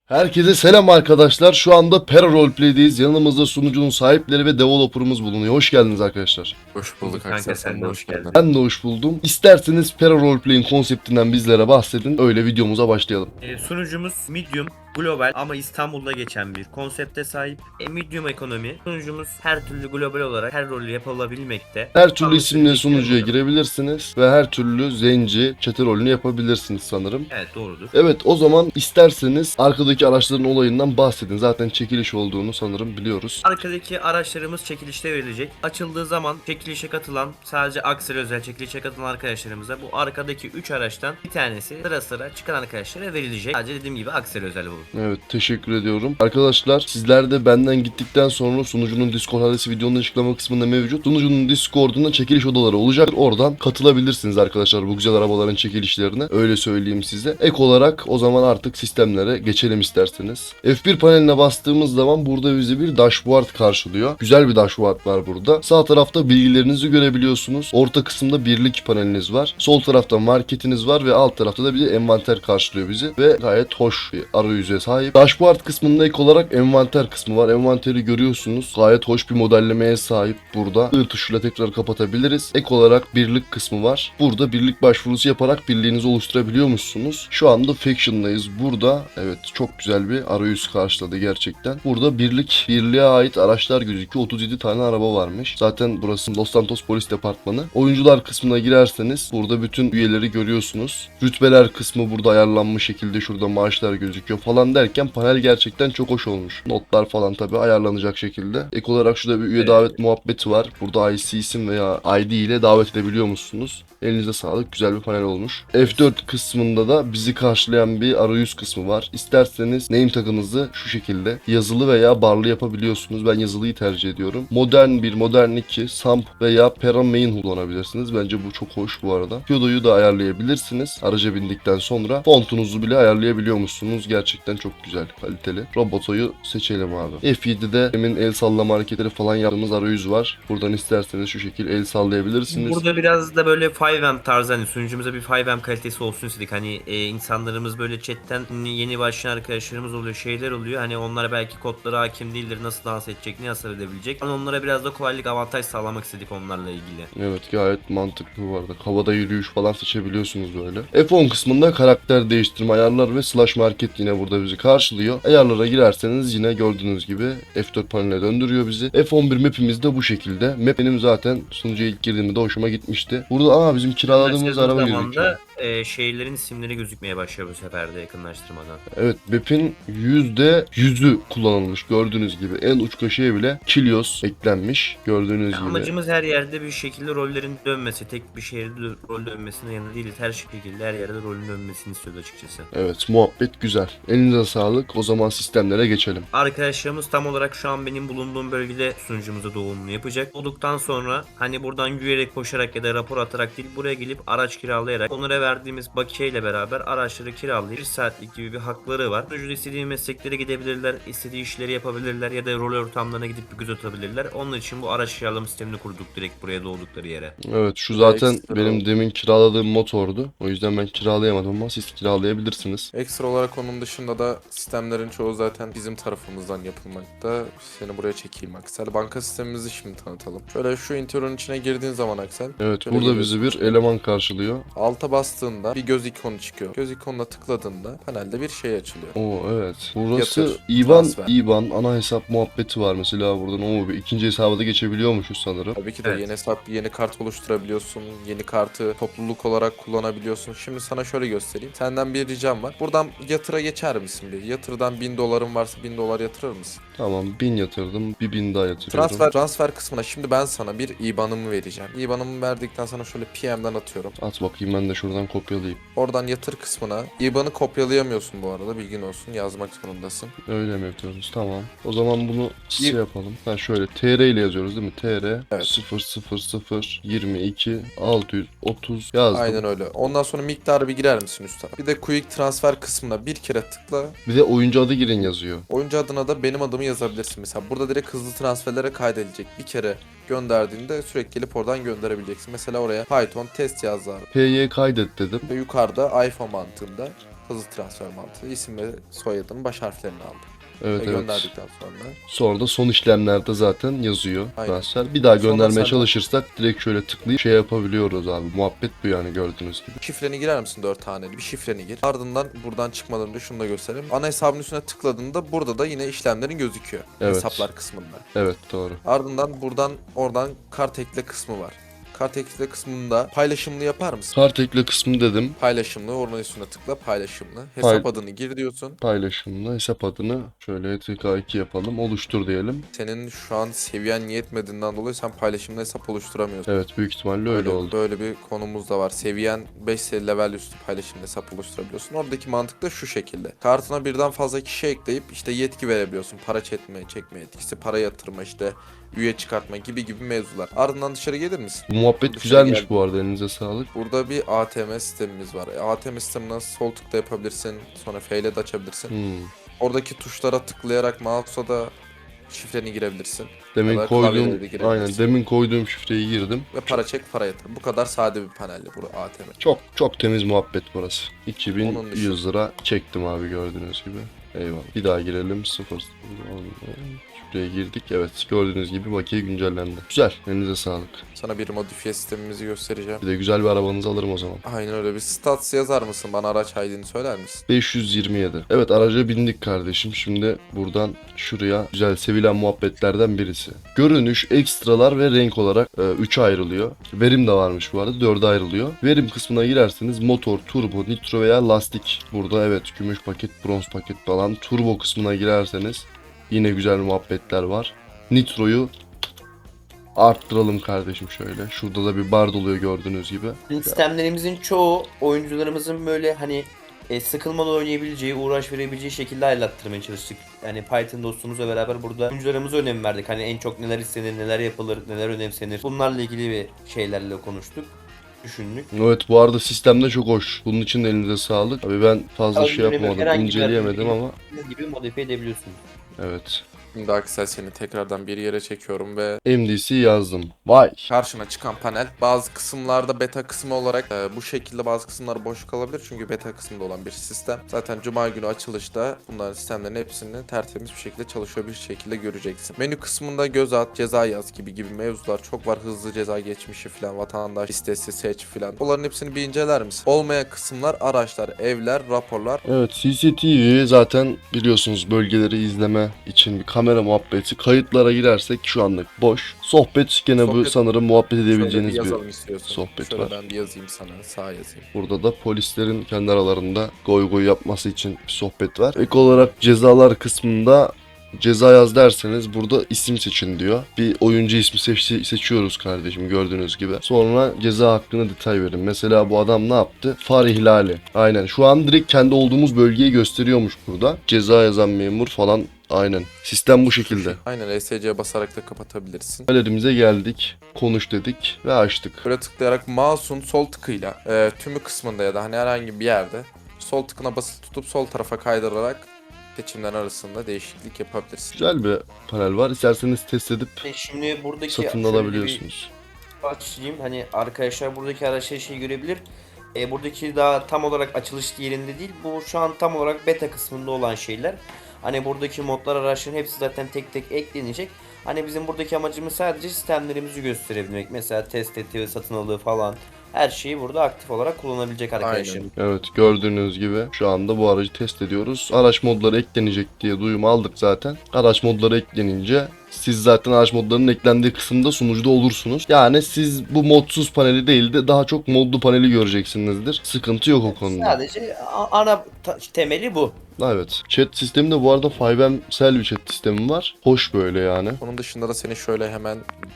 Herkese selam arkadaşlar. Şu anda Pera Roleplay'deyiz. Yanımızda sunucunun sahipleri ve developer'ımız bulunuyor. Hoş geldiniz arkadaşlar. Hoş bulduk Kanka, Aksel, sen de hoş geldin. Ben de hoş buldum. İsterseniz Pera Roleplay'in konseptinden bizlere bahsedin. Öyle videomuza başlayalım. Sunucumuz Medium global ama İstanbul'da geçen bir konsepte sahip. Medium ekonomi. Sunucumuz her türlü global olarak her rolü yapılabilmekte. Her türlü Ama isimle sürekli sunucuya burada. girebilirsiniz ve her türlü zenci, çete rolünü yapabilirsiniz sanırım. Evet, doğrudur. Evet, o zaman isterseniz arkadaki araçların olayından bahsedin. Zaten çekiliş olduğunu sanırım biliyoruz. Arkadaki araçlarımız çekilişte verilecek. Açıldığı zaman çekilişe katılan, sadece Aksel özel çekilişe katılan arkadaşlarımıza bu arkadaki 3 araçtan bir tanesi sıra sıra çıkan arkadaşlara verilecek. Sadece dediğim gibi Aksel özel bu. Evet, teşekkür ediyorum. Arkadaşlar, sizler de benden gittikten sonra sunucunun Discord adresi videonun açıklama kısmında mevcut. Sunucunun Discord'unda çekiliş odaları olacak. Oradan katılabilirsiniz arkadaşlar bu güzel arabaların çekilişlerine. Öyle söyleyeyim size. Ek olarak o zaman artık sistemlere geçelim isterseniz. F1 paneline bastığımız zaman burada bizi bir dashboard karşılıyor. Güzel bir dashboard var burada. Sağ tarafta bilgilerinizi görebiliyorsunuz. Orta kısımda birlik paneliniz var. Sol tarafta marketiniz var ve alt tarafta da bir envanter karşılıyor bizi. Ve gayet hoş bir arayüze sahip. Dashboard kısmında ek olarak envanter kısmı var. Envanteri görüyorsunuz. Gayet hoş bir modellemeye sahip burada. I tuşuyla tekrar kapatabiliriz. Ek olarak birlik kısmı var. Burada birlik başvurusu yaparak birliğinizi oluşturabiliyormuşsunuz. Şu anda Faction'dayız. Burada evet çok güzel bir arayüz karşıladı gerçekten. Burada birliğe ait araçlar gözüküyor. 37 tane araba varmış. Zaten burası Los Santos Polis Departmanı. Oyuncular kısmına girerseniz burada bütün üyeleri görüyorsunuz. Rütbeler kısmı burada ayarlanmış şekilde, şurada maaşlar gözüküyor falan derken panel gerçekten çok hoş olmuş. Notlar falan tabi ayarlanacak şekilde. Ek olarak şurada bir üye davet muhabbeti var. Burada IC isim veya ID ile davet edebiliyor musunuz? Elinize sağlık. Güzel bir panel olmuş. F4 kısmında da bizi karşılayan bir arayüz kısmı var. İsterseniz name tag'ınızı şu şekilde yazılı veya barlı yapabiliyorsunuz. Ben yazılıyı tercih ediyorum. Modern 1, Modern 2, Samp veya Pera Main kullanabilirsiniz. Bence bu çok hoş bu arada. Piodo'yu da ayarlayabilirsiniz. Araca bindikten sonra fontunuzu bile ayarlayabiliyormuşsunuz. Gerçekten çok güzel, kaliteli. Roboto'yu seçelim abi. F7'de demin el sallama hareketleri falan yaptığımız arayüz var. Buradan isterseniz şu şekilde el sallayabilirsiniz. Burada biraz da böyle 5M tarzı, hani sunucumuza bir 5M kalitesi olsun istedik. Hani insanlarımız böyle chatten yeni başlayan arkadaşlarımız oluyor, şeyler oluyor. Hani onlara belki kodlara hakim değildir, nasıl dans edecek, nasıl edebilecek. Ama onlara biraz da kolaylık, avantaj sağlamak istedik onlarla ilgili. Evet, gayet mantıklı bu arada. Havada yürüyüş falan seçebiliyorsunuz böyle. F10 kısmında karakter değiştirme ayarlar ve slash market yine burada bizi karşılıyor. Ayarlara girerseniz yine gördüğünüz gibi F4 paneline döndürüyor bizi. F11 map'imiz de bu şekilde. Map benim zaten sunucuya ilk girdiğimde hoşuma gitmişti. Burada bizim kiraladığımız araba gözüküyor. Şeylerin isimleri gözükmeye başlıyor bu sefer de yakınlaştırmadan. Evet, map'in %100'ü kullanılmış gördüğünüz gibi. En uç köşeye bile Kilios eklenmiş gördüğünüz gibi. Amacımız her yerde bir şekilde rollerin dönmesi, tek bir şehirde rol dönmesine yanı değiliz. Her şekilde her yerde rolün dönmesini istiyoruz açıkçası. Evet, muhabbet güzel. Elinize sağlık. O zaman sistemlere geçelim. Arkadaşlarımız tam olarak şu an benim bulunduğum bölgede sunucumuza doğumunu yapacak. Olduktan sonra hani buradan yürüyerek, koşarak ya da rapor atarak değil, buraya gelip araç kiralayarak onlara verdiğimiz bakiye ile beraber araçları kiralayıp 1 saatlik gibi bir hakları var. Sunucuda istediği mesleklere gidebilirler, istediği işleri yapabilirler ya da rol ortamlarına gidip bir göz atabilirler. Onun için bu araç kiralama sistemini kurduk direkt buraya doğdukları yere. Evet, şu zaten Ekstra benim oldu. demin kiraladığım motordu. O yüzden ben kiralayamadım ama siz kiralayabilirsiniz. Ekstra olarak onun dışında da sistemlerin çoğu zaten bizim tarafımızdan yapılmakta. Seni buraya çekeyim Aksel. Banka sistemimizi şimdi tanıtalım. Şöyle şu interior'un içine girdiğin zaman Aksel. Evet, şöyle burada bizi geliyorsun. bir eleman karşılıyor. Alta bastığında bir göz ikonu çıkıyor. Göz ikonuna tıkladığında panelde bir şey açılıyor. Oo evet. Burası Yatır, IBAN, transfer. ana hesap muhabbeti var mesela buradan. Bir ikinci hesaba da geçebiliyormuşuz sanırım. Tabii ki de Evet. yeni hesap, yeni kart oluşturabiliyorsun. Yeni kartı topluluk olarak kullanabiliyorsun. Şimdi sana şöyle göstereyim. Senden bir ricam var. Buradan yatıra geçer misin bir? Yatırdan 1000 doların varsa 1000 dolar yatırır mısın? Tamam, 1000 yatırdım. 1000 daha yatırıyorum. Transfer kısmına şimdi ben sana bir IBAN'ımı vereceğim. IBAN'ımı verdikten sonra şöyle PM'den atıyorum. At bakayım, ben de şuradan kopyalayayım. Oradan yatır kısmına. IBAN'ı kopyalayamıyorsun bu arada, bilgin olsun. Yazmak zorundasın. Öyle mi yapıyoruz? Tamam. O zaman bunu Bir- yapalım. Şöyle TR ile yazıyoruz değil mi? TR Evet. 000 22 630 yazdım. Aynen öyle. Ondan sonra miktarı bir girer misin üst tarafa? Bir de quick transfer kısmına bir kere tıkla. Bir de oyuncu adı girin yazıyor. Oyuncu adına da benim adımı yazabilirsin. Mesela burada direkt hızlı transferlere kaydedilecek. Bir kere gönderdiğinde sürekli gelip oradan gönderebileceksin. Mesela oraya Python test yaz abi. PY kaydet dedim. Ve yukarıda iPhone mantığında hızlı transfer mantığı. İsim ve soyadının baş harflerini aldı. Evet, Ve evet. gönderdikten sonra Sonra da son işlemlerde zaten yazıyor Aynen. transfer. Bir daha Sonra göndermeye sen de- çalışırsak direkt şöyle tıklayıp şey yapabiliyoruz abi. Muhabbet bu yani, gördüğünüz gibi. şifreni girer misin 4 haneli? Bir şifreni gir. Ardından buradan çıkmadan önce şunu da göstereyim. Ana hesabın üstüne tıkladığında burada da yine işlemlerin gözüküyor. Evet. Hesaplar kısmında. Evet, doğru. Ardından oradan kart ekle kısmı var. Kart ekle kısmında paylaşımlı yapar mısın? Kart ekle kısmı dedim. Paylaşımlı, oradan üstüne tıkla paylaşımlı. Hesap adını gir diyorsun. Paylaşımla hesap adını şöyle TK2 yapalım. Oluştur diyelim. Senin şu an seviyen yetmediğinden dolayı sen paylaşımlı hesap oluşturamıyorsun. Evet, büyük ihtimalle öyle oldu. Böyle bir konumuz da var. Seviyen 5 level üstü paylaşımlı hesap oluşturabiliyorsun. Oradaki mantık da şu şekilde. Kartına birden fazla kişi ekleyip işte yetki verebiliyorsun. Para çekme yetkisi, para yatırma, işte üye çıkartma gibi mevzular. Ardından dışarı gelir misin? Bu muhabbet Dışarı güzelmiş geldim. bu arada, elinize sağlık. Burada bir ATM sistemimiz var. ATM sisteminden sol tıkla yapabilirsin. Sonra F ile de açabilirsin. Oradaki tuşlara tıklayarak mouse'a da şifreni girebilirsin. Demin kadar koyduğum, klavyeleri de girebilirsin. aynen demin koyduğum şifreyi girdim. Ve para çek, para yatır. Bu kadar sade bir panelli bu ATM. Çok temiz muhabbet burası. Onun 2100 dışında- lira çektim abi, gördüğünüz gibi. Eyvallah. Bir daha girelim. 0. Şuraya girdik. Evet, gördüğünüz gibi bakiye güncellendi. Güzel. Elinize sağlık. Sana bir modifiye sistemimizi göstereceğim. Bir de güzel bir arabanızı alırım o zaman. Aynen öyle. Bir stats yazar mısın? Bana araç ID'ni söyler misin? 527. Evet, araca bindik kardeşim. Şimdi buradan şuraya, güzel sevilen muhabbetlerden birisi. Görünüş, ekstralar ve renk olarak 3'e ayrılıyor. Verim de varmış bu arada, 4'e ayrılıyor. Verim kısmına girerseniz motor, turbo, nitro veya lastik. Burada evet, gümüş paket, bronz paket falan. Turbo kısmına girerseniz yine güzel muhabbetler var. Nitroyu arttıralım kardeşim şöyle. Şurada da bir bar doluyor gördüğünüz gibi. Sistemlerimizin çoğu oyuncularımızın böyle hani sıkılmadan oynayabileceği, uğraş verebileceği şekilde ayarlattırmaya çalıştık. Yani Python dostumuzla beraber burada oyuncularımıza önem verdik. Hani en çok neler istenir, neler yapılır, neler önemsenir. Bunlarla ilgili bir şeylerle konuştuk. Düşündük. Evet, bu arada sistemde çok hoş. Bunun için de elinize sağlık. Abi ben fazla şey yapamadım, Herhangi bir inceleyemedim yerde ama istediğiniz gibi modifiye edebiliyorsunuz. evet. Şimdi Aksel seni tekrardan bir yere çekiyorum ve MDC yazdım. Vay. karşına çıkan panel bazı kısımlarda beta kısmı olarak bu şekilde, bazı kısımlar boş kalabilir çünkü beta kısmında olan bir sistem. Zaten cuma günü açılışta bunların sistemlerin hepsini tertemiz bir şekilde çalışıyor bir şekilde göreceksin. Menü kısmında göz at, ceza yaz gibi mevzular çok var. Hızlı ceza geçmişi falan, vatandaş listesi seç falan. Bunların hepsini bir inceler misin? Olmayan kısımlar araçlar, evler, raporlar. Evet, CCTV zaten biliyorsunuz bölgeleri izleme için bir kamera muhabbeti. Kayıtlara girersek şu anlık boş. Sohbet gene bu Sohbet- sanırım muhabbet Şöyle bir edebileceğiniz bir yazalım istiyorsun. sohbet Şöyle var. ben bir yazayım sana, sağ yazayım. Burada da polislerin kendi aralarında goy goy yapması için bir sohbet var. Ek olarak cezalar kısmında ceza yaz derseniz burada isim seçin diyor. Bir oyuncu ismi seçiyoruz kardeşim, gördüğünüz gibi. Sonra ceza hakkında detay verin. Mesela bu adam ne yaptı? Far ihlali. Aynen. Şu an direkt kendi olduğumuz bölgeyi gösteriyormuş burada. Ceza yazan memur falan. Aynen. Sistem bu şekilde. Aynen, ESC'ye basarak da kapatabilirsin. Galerimize geldik. Konuş dedik ve açtık. Böyle tıklayarak mouse'un sol tıkıyla tümü kısmında ya da hani herhangi bir yerde sol tıkına basılı tutup sol tarafa kaydırarak seçimler arasında değişiklik yapabilirsin. Güzel bir panel var. İsterseniz test edip Şimdi buradaki satın şöyle alabiliyorsunuz. bir açayım. Hani arkadaşlar buradaki araçları şey görebilir. Buradaki daha tam olarak açılış yerinde değil. Bu şu an tam olarak beta kısmında olan şeyler. Hani buradaki modlar, araçların hepsi zaten tek tek eklenecek. Hani bizim buradaki amacımız sadece sistemlerimizi gösterebilmek. Mesela test eti, satın aldığı falan. Her şeyi burada aktif olarak kullanabilecek arkadaşlar. Aynen. Evet, gördüğünüz gibi şu anda bu aracı test ediyoruz. Araç modları eklenecek diye duyum aldık zaten. Araç modları eklenince siz zaten araç modlarının eklendiği kısımda sunucuda olursunuz. Yani siz bu modsuz paneli değil de daha çok modlu paneli göreceksinizdir. Sıkıntı yok o konuda. Sadece ana temeli bu. Evet. Chat sistemi de bu arada 5M'sel bir chat sistemi var. Hoş böyle yani. Onun dışında da seni şöyle hemen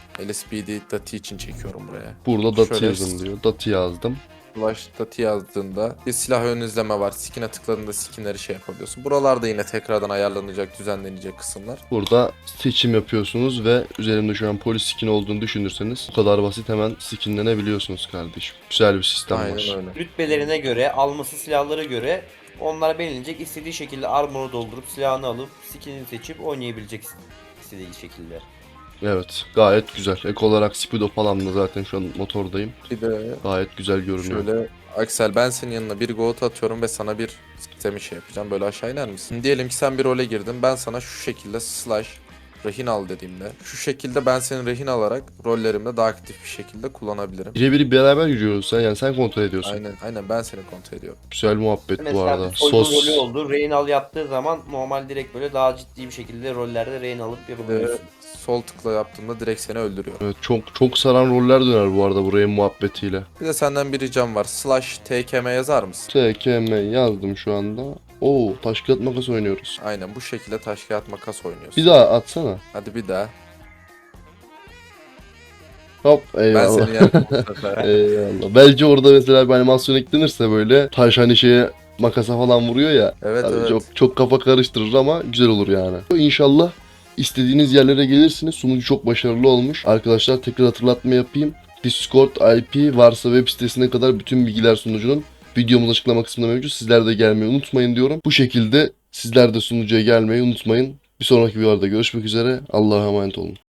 LSPD dati için çekiyorum buraya. Burada datı Şöyle- yazın diyor. Datı yazdım. Flash dati yazdığında bir silah ön izleme var. Skin'e tıkladığında skinleri şey yapabiliyorsun. Buralarda yine tekrardan ayarlanacak, düzenlenecek kısımlar. Burada seçim yapıyorsunuz ve üzerimde şu an polis skin olduğunu düşünürseniz bu kadar basit, hemen skinlenebiliyorsunuz kardeşim. Güzel bir sistem var. Aynen öyle. Rütbelerine göre, alması silahlara göre onlar belirlenecek. İstediği şekilde armor'u doldurup silahını alıp skinini seçip oynayabilecek istediği şekilde. Evet, gayet güzel. Ek olarak Speedo falan da zaten şu an motordayım. Bir de Gayet güzel görünüyor. şöyle Aksel, ben senin yanına bir goat atıyorum ve sana bir sistemi şey yapacağım. Böyle aşağı iner misin? Diyelim ki sen bir role girdin. Ben sana şu şekilde slash rehin al dediğimde şu şekilde ben seni rehin alarak rollerimde daha aktif bir şekilde kullanabilirim. Birebir beraber yürüyoruz sen, yani sen kontrol ediyorsun. Aynen ben seni kontrol ediyorum. Güzel muhabbet bu Mesela arada. bir soygun Sos. rolü oldu. Reynal yaptığı zaman normal direkt böyle daha ciddi bir şekilde rollerde rehin alıp Bir de yapabiliyorsun. sol tıkla yaptığımda direkt seni öldürüyor. Evet, çok saran roller döner bu arada buraya muhabbetiyle. Bir de senden bir ricam var. Slash TKM yazar mısın? TKM yazdım şu anda. Oo, taş kağıt makas oynuyoruz. Aynen bu şekilde taş kağıt makas oynuyorsun. Bir daha atsana. Hadi bir daha. Hop, Ben eyvallah. seni yendim bu sefer. Eyvallah. Belki orada mesela bir animasyon eklenirse böyle taş hani şeye makasa falan vuruyor ya. Evet Tabii evet. çok kafa karıştırır ama güzel olur yani. İnşallah istediğiniz yerlere gelirsiniz. Sunucu çok başarılı olmuş. Arkadaşlar tekrar hatırlatma yapayım. Discord IP varsa web sitesine kadar bütün bilgiler sunucunun videomuz açıklama kısmında mevcut. Sizler de gelmeyi unutmayın diyorum. Bu şekilde sizler de sunucuya gelmeyi unutmayın. Bir sonraki videolarda görüşmek üzere. Allah'a emanet olun.